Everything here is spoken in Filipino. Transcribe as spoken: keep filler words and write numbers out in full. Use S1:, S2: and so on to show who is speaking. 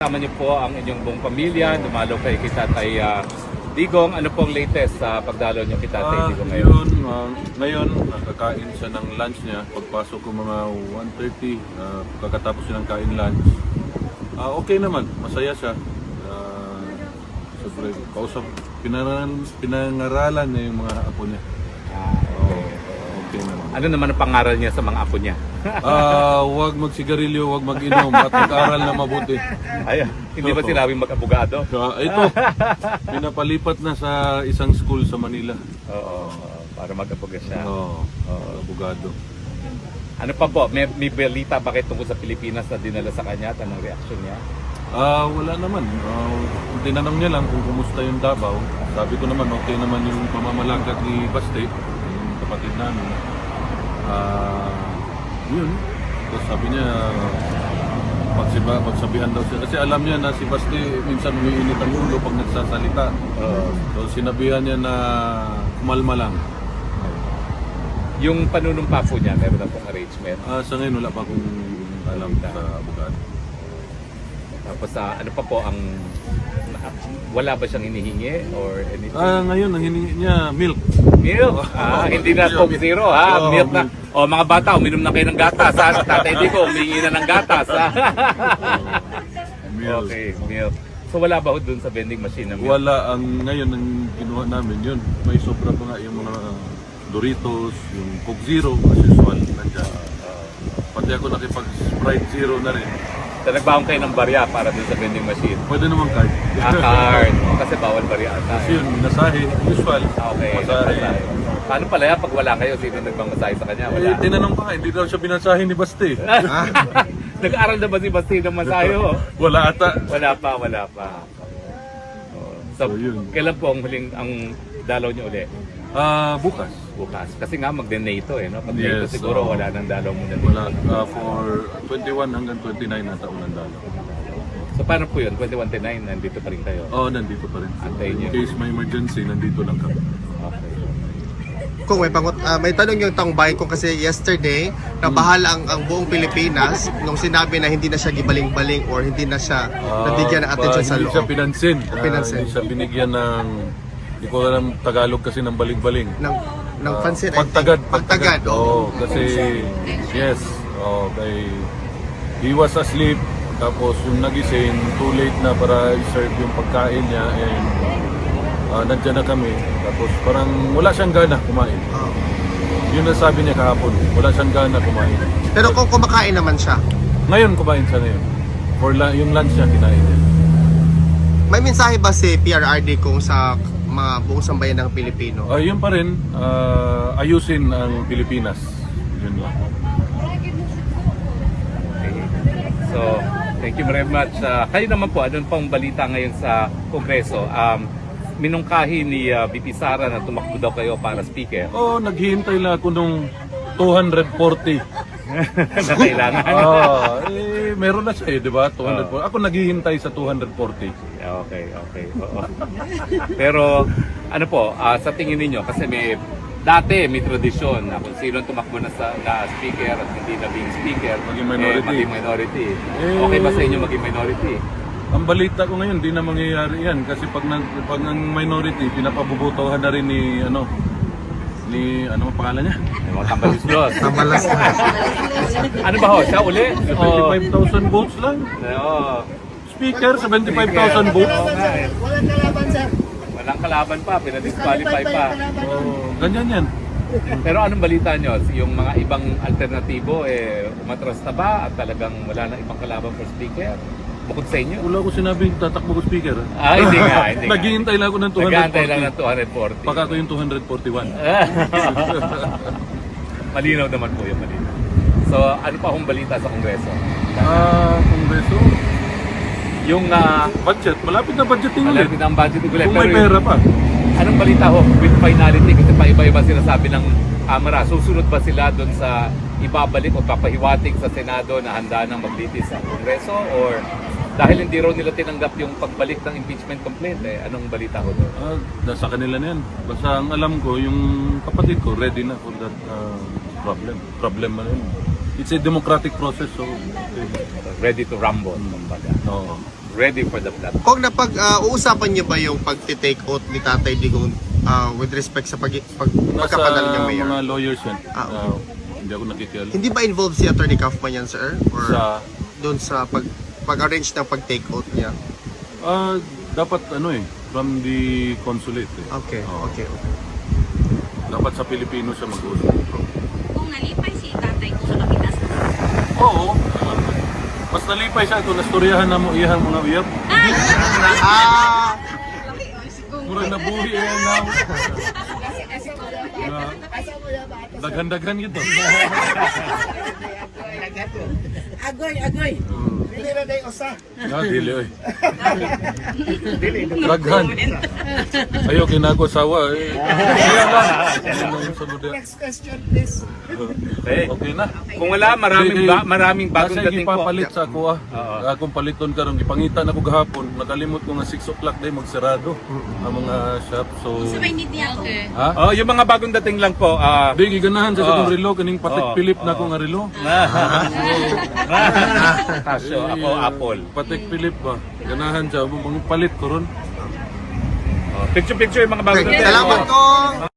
S1: Kasama niyo po ang inyong buong pamilya, dumalo kay Tatay uh, Digong. Ano pong latest sa pagdalo niyo kay Tatay
S2: Ah,
S1: Digong ngayon?
S2: Yun, uh, ngayon, nakakain siya ng lunch niya. Pagpasok ko mga one thirty, uh, pagkatapos siya ng kain lunch. Uh, okay naman, masaya siya. Uh, Siyempre, kausap, pinangaralan, pinangaralan niya yung mga apo niya.
S1: Ah, okay.
S2: Okay naman.
S1: Ano naman ang pangaral niya sa mga apo niya?
S2: Ah, huwag magsigarilyo, huwag mag-inom at mag-aral na mabuti.
S1: Ay, hindi ba sinabing mag-abogado?
S2: So, ito, pinapalipat na sa isang school sa Manila.
S1: Oo, para mag-aboga siya.
S2: Oo, oh, abogado.
S1: Ano pa po, may, may balita bakit tungkol sa Pilipinas na dinala sa kanya at anong reaksyon niya?
S2: Ah, wala naman. Uh, tinanong niya lang kung kumusta yung Davao. Sabi ko naman, okay naman yung pamamalakad ni Baste, yung kapatid namin. Ah, yun. Tapos sabi niya, pagsiba, pagsabihan daw siya. Kasi alam niya na si Baste minsan umiinit ang ulo pag nagsasalita.
S1: Uh,
S2: So sinabihan niya na kumalma lang.
S1: yung panunumpa po niya, meron na pong arrangement.
S2: Ah, sa ngayon wala pa akong alam sa abogado.
S1: Tapos uh, ano pa po ang, wala ba siyang hinihingi or anything?
S2: Ah, ngayon ang hiningi niya milk.
S1: Milk? Ah, hindi na Coke Zero ha,
S2: Oo,
S1: milk na.
S2: milk.
S1: O mga bata, uminom na kayo ng gatas ha. Tatay Digo, umingi na ng gatas ha.
S2: Milk.
S1: Okay, milk. So wala ba ho dun sa vending machine na milk?
S2: Wala, ang ngayon ang ginawa namin yun. May sobra pa nga yung mga Doritos, yung Coke Zero, as usual, nandiyan. Pati ako nakipag-Sprite Zero na rin.
S1: So nagbaon kayo ng barya para dun sa vending machine?
S2: Pwede naman card.
S1: Ah, card. O, kasi bawal barya ata.
S2: Kasi yun, minasahe, usual.
S1: Ah, okay,
S2: Masahe.
S1: nagmasahe. Paano pala yan pag wala kayo? Sino nagmamasahe sa kanya? Wala.
S2: Eh, tinanong pa nga, hindi daw siya binasahe ni Baste.
S1: Nag-aaral na ba si Basti ng masahe ho?
S2: Wala ata.
S1: Wala pa, wala pa. Oh, So,
S2: So, yun.
S1: kailan po ang huling ang dalaw niyo uli?
S2: Ah, bukas.
S1: Bukas. Kasi nga mag-NATO eh, no? Pag
S2: Yes,
S1: NATO siguro
S2: oo.
S1: wala nang dalaw muna dito.
S2: Wala, ah, for twenty-one hanggang twenty-nine na taon ang dalaw.
S1: So paano po yun? twenty twenty-nine, nandito pa rin kayo?
S2: Oo, oh, nandito pa rin.
S1: Antayin niyo.
S2: In case may emergency, nandito lang kami.
S1: Okay.
S3: Kung may pangot, ah, may tanong yung taong bahay ko kasi yesterday, nabahala ang, ang buong Pilipinas nung sinabi na hindi na siya gibaling-baling or hindi na siya nabigyan ng atensyon sa
S2: Hindi siya
S3: loob.
S2: pinansin. Ah,
S3: Pinansin.
S2: hindi siya binigyan ng, hindi ko alam Tagalog kasi ng baling-baling.
S3: Ng, ng
S2: Ah,
S3: pansin, I think.
S2: Pagtagad.
S3: Pagtagad, oo.
S2: Oo, kasi, yes. Oh, kay, he was asleep. Tapos yung nagising, too late na para i-serve yung pagkain niya. And uh, nandiyan na kami. Tapos parang wala siyang gana kumain.
S3: Oo.
S2: Yun ang sabi niya kahapon. Wala siyang gana kumain.
S3: Pero kung kumakain naman siya,
S2: Ngayon kumain siya ngayon. For la- yung lunch niya kinain niya.
S3: may mensahe ba si P R R D kung sa mga buong sambayan ng Pilipino?
S2: Uh, yun pa rin, uh, ayusin ang Pilipinas. Yun lang.
S1: Okay. So, thank you very much. Uh, kayo naman po, anong pang balita ngayon sa Kongreso? Um, minungkahi ni uh, V P Sara na tumakbo daw kayo para speaker.
S2: Oh, naghihintay lang ako nung two hundred forty.
S1: na kailangan.
S2: Ah, eh, meron na siya eh, di ba? two hundred forty. Ako naghihintay sa two hundred forty.
S1: Okay, okay. Oo. Pero ano po, ah, sa tingin ninyo, kasi may dati may tradisyon na kung sino tumakbo na sa na speaker at hindi na being speaker,
S2: Maging minority.
S1: Eh, maging minority.
S2: Eh,
S1: Okay ba sa inyo maging minority?
S2: Ang balita ko ngayon, di na mangyayari yan. Kasi pag, nag, pag ang minority, pinapabubutuhan na rin ni, ano, ni, ano ang pangalan niya?
S1: May mga tambaluslos.
S3: Tamalas na.
S1: Ano ba ho? Siya uli? O,
S2: seventy-five thousand votes lang.
S1: Oo.
S2: Speaker, seventy-five thousand votes.
S1: Oo nga eh.
S4: Walang kalaban, sir.
S1: Walang kalaban pa, pinadisqualify pa.
S2: Oh, ganyan yan.
S1: Pero anong balita nyo? Yung mga ibang alternatibo, eh, umatras na ba at talagang wala na ibang kalaban for speaker? Bukod sa inyo?
S2: Wala ko sinabing tatakbo ko speaker.
S1: Ah, hindi nga, hindi nga.
S2: Naghihintay lang ako ng two hundred
S1: Nag-aantay lang
S2: forty.
S1: ng two hundred forty.
S2: Baka ko yung two hundred forty-one.
S1: Malinaw naman po yung malinaw. So, ano pa akong balita sa Kongreso?
S2: Ah, Kongreso.
S1: Yung uh,
S2: Budget. Malapit na budgeting ulit.
S1: malapit ang budget ulit.
S2: Kung may
S1: Pero
S2: pera
S1: yung-
S2: pa.
S1: Anong balita ho with finality? Kasi pa-iba-iba sinasabi ng Kamara. Susunod ba sila doon sa ibabalik o papahiwatig sa Senado na handa ng maglitis sa Kongreso? Or dahil hindi raw nila tinanggap yung pagbalik ng impeachment complaint, eh, anong balita ho doon?
S2: Ah, nasa kanila na yan. Basta ang alam ko, yung kapatid ko, ready na for that ah, problem. Problem na yun. It's a democratic process, so okay.
S1: Ready to rumble, kumbaga.
S2: Oo.
S1: ready for the blood.
S3: Kung napag uh, uusapan niyo ba yung pagti-take out ni Tatay Digong uh, with respect sa pag, pag
S2: Nasa
S3: pagkapadala niyang mayor?
S2: mga lawyers yan.
S3: Ah, okay.
S2: Ah, hindi ako nakikialam.
S3: Hindi ba involved si Attorney Kaufman yan, sir? Or
S2: Sa,
S3: doon sa pag pag-arrange ng pag-take out niya?
S2: ah, dapat ano eh, from the consulate eh.
S3: Okay,
S2: Oo.
S3: okay, okay.
S2: Dapat sa Pilipino siya mag-usap.
S4: Kung nalipay si tatay ko sa kapitas.
S2: Oo. Mas nalipay siya kung nastoryahan na mo iyang mga wiyap.
S3: Ah!
S2: Murag nabuhi yan na. Na- Daghan-daghan yun to.
S5: Agoy, agoy.
S2: Ah, dili oy. Daghan. Ayaw kinago sawa eh. Kaya lang. Ano yung sunod yan?
S5: Next question, please.
S1: Okay.
S2: Okay na.
S1: Kung wala, maraming ba, maraming bagong
S2: Nasa
S1: dating po.
S2: ipapalit sa ako ah. Akong paliton karon gipangitan ako gahapon. Nakalimot ko nga six o'clock day magsarado ang mga shop. So
S4: Sa may need niya ako.
S2: ha?
S1: Oh, yung mga bagong dating lang po. ah
S2: Di giganahan sa
S1: Oo.
S2: akong relo kaning patek
S1: Oo.
S2: Philip na akong relo.
S1: Kasyo, ako Apple.
S2: Patek Philip ba? Ganahan siya mga palit ko ron.
S1: Picture-picture yung mga bagong
S3: Okay,
S1: dating.
S3: salamat ko!